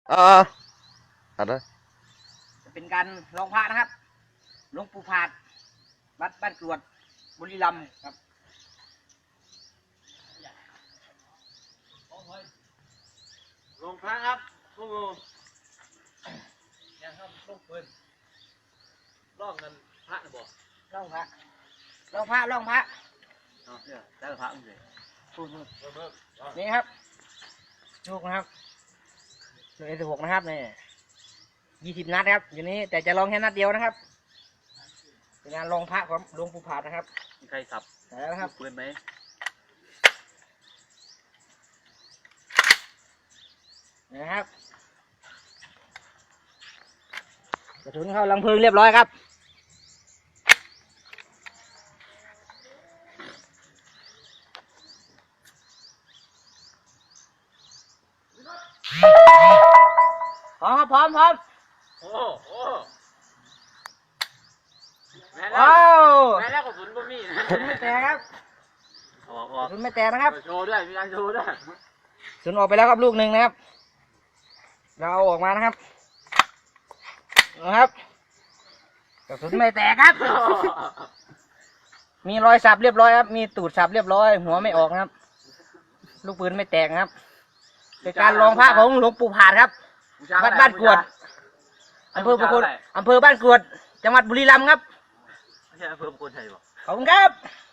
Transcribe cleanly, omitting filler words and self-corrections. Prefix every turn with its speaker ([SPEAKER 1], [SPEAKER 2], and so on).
[SPEAKER 1] อะไร
[SPEAKER 2] จะเป็นการลองพระนะครับหลวงปู่ผาดวัดบ้านกรวดบุรีรัมย์ครับ
[SPEAKER 3] ลงพระครับพวกงูยังครับลงปืนล่องเงินพระนะบอก
[SPEAKER 2] ลองพระลองพระลองพระ
[SPEAKER 3] เอาเนี่ยได้พระมั้งสิ
[SPEAKER 2] พูดนี่ครับลูกนะครับลูกA16นะครับนี่20 นัดครับอยู่นี้แต่จะลองแค่นัดเดียวนะครับเป็นงานลองพระของหลวงปู่ผาดนะครับ
[SPEAKER 3] มีใครสับ
[SPEAKER 2] แล้วนะครับ
[SPEAKER 3] ปืนไหม
[SPEAKER 2] นะครับกระสุนเข้าลังเพลิงเรียบร้อยครับพร้อมครับพร้อม
[SPEAKER 3] โอ้แม่แล้ว
[SPEAKER 2] ว้าว
[SPEAKER 3] แม่แล้วกระสุนบ่มีนะ
[SPEAKER 2] กระสุนไม่แตกครับ
[SPEAKER 3] ออก
[SPEAKER 2] กระสุนไม่แตกนะครับ
[SPEAKER 3] โชว์ด้วยมีการโชว์ด้วย
[SPEAKER 2] กระสุนออกไปแล้วครับลูกหนึ่งนะครับเราเอาออกมานะครับกระสุนไม่แตกครับ มีรอยสับเรียบร้อยครับมีตูดสับเรียบร้อยหัวไม่ออกนะครับลูกปืนไม่แตกนะครับเป็นการลองพระของหลวงปู่ผาดครับวัดบ้านกรวดอำเภอบ้านกรวดจังหวัดบุรีรัมย์ครับ
[SPEAKER 3] ไม่ใช่อำเภอประโคนชัยบอก
[SPEAKER 2] ขอบคุณครับ